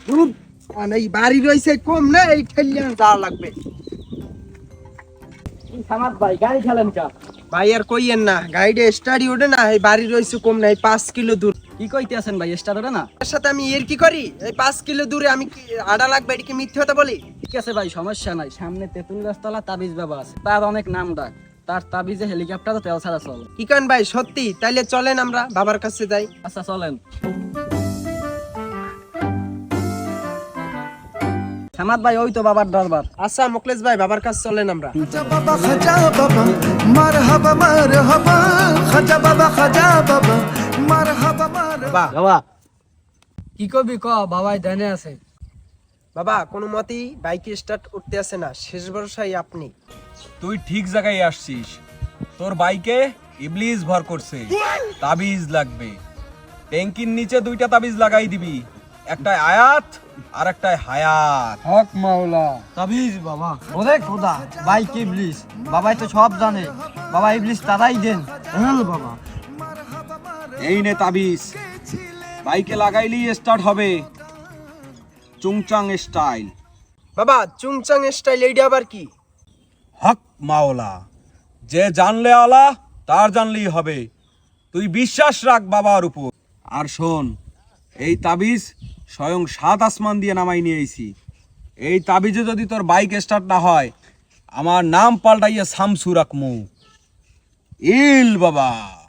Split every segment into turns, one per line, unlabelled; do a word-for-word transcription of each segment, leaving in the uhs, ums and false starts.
মানে এই বাড়ি রয়েছে কম না, এই ঠেলিয়ে যাওয়া লাগবে।
সামাদ ভাই গাড়ি খেলেন কা?
ভাই আর কইয়েন না, গাড়িটা স্টাডি ওঠে না, এই বাড়ি রয়েছে কম না, এই পাঁচ কিলো দূর।
কি কইতে আছেন ভাই, স্টার্ট ওটা না?
তার সাথে আমি এর কি করি, এই পাঁচ কিলো দূরে আমি কি আড়া লাগবে, এটা কি মিথ্যে কথা বলি?
ঠিক আছে ভাই, সমস্যা নাই। সামনে তেঁতুল গাছতলা তাবিজ বাবা আছে, তার অনেক নাম ডাক। তার তাবিজে হেলিকপ্টারও তেল ছাড়া চলে।
কি কান ভাই সত্যি? তাইলে চলেন আমরা বাবার কাছে যাই।
আচ্ছা চলেন। সামাদ ভাই ওই তো বাবার দরবার।
আচ্ছা মোকলেশ ভাই, বাবার কাছে চলেন আমরা।
বাবা খাজা বাবা মারহাবা মারহাবা খাজা বাবা খাজা বাবা মারহাবা মারহাবা।
বাবা
বাবা কি কবি ক, বাবাই ধ্যানে আছে।
বাবা কোনো মতেই বাইকে স্টার্ট উঠতে আসে না, শেষ ভরসাই আপনি।
তুই ঠিক জায়গায় আসছিস। তোর বাইকে ইবলিস ভর করছে, তাবিজ লাগবে। ট্যাঙ্কির নিচে দুইটা তাবিজ লাগাই দিবি, একটায় আয়াত আর একটায় হায়াত।
হক মাওলা। তাবিজ বাবা, ওরে খোদা, ভাই কি ইবলিস, বাবাই তো সব জানে। বাবা ইবলিস তারাই দেন। হ্যাঁ বাবা।
এই নে তাবিজ, বাইকে লাগাইলেই স্টার্ট হবে, চুংচাং স্টাইল।
বাবা চুংচাং স্টাইল এইটা আবার কি?
হক মাওলা, যে জানলে আলা তার জানলেই হবে। তুই বিশ্বাস রাখ বাবার উপর। আর শোন, এই তাবিজ স্বয়ং সাত আসমান দিয়ে নামাই নিয়ে আইছি। এই তাবিজে যদি তোর বাইক স্টার্ট না হয়, আমার নাম পাল্টাইয়া শামসু রাখমু। ইল বাবা।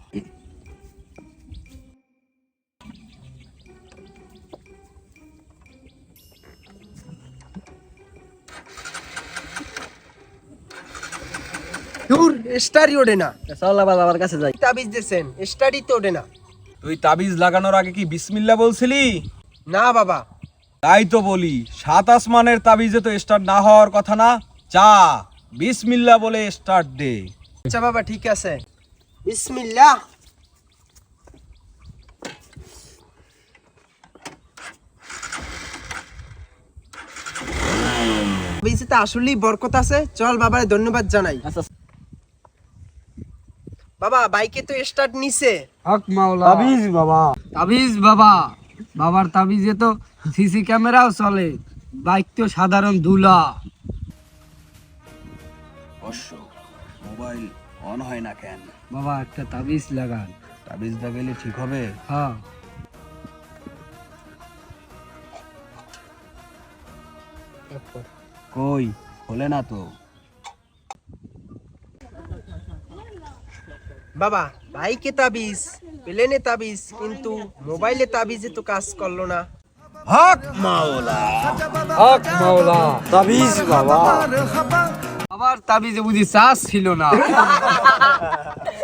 দূর, স্টারই ওঠে না।
চল আবার বাবার কাছে যাই।
তাবিজ দিয়েছেন, স্টারই তো ওঠে না।
তুই তাবিজ লাগানোর আগে কি বিসমিল্লা বলছিলি?
না বাবা।
তাই তো বলি, সাত আসমানের তাবিজে তো স্টার্ট না হওয়ার কথা না। চা বিসমিল্লা বলে স্টার্ট দে।
আচ্ছা বাবা ঠিক আছে, বিসমিল্লাহ। তাবিজে আসলেই বরকত আছে, চল বাবারে ধন্যবাদ জানাই।
আচ্ছা
বাবা বাইকে তো স্টার্ট নিছে।
হক মাওলা। তাবিজ বাবা, তাবিজ বাবা, বাবার তাবিজে তো সিসি ক্যামেরাও চলে, বাইক তো সাধারণ ধুলা।
অবশ্য মোবাইল অন হয় না কেন?
বাবা একটা তাবিজ লাগান।
তাবিজ লাগাইলে ঠিক হবে?
হ্যাঁ।
কই হলে না তো।
বাবা বাইকে তাবিজ, প্লেনে তাবিজ, কিন্তু মোবাইলে তাবিজে তো কাজ করলো না।
হক মাওলা।
হক মাওলা। তাবিজ বাবা, বাবার তাবিজে বুঝি চাষ ছিল না।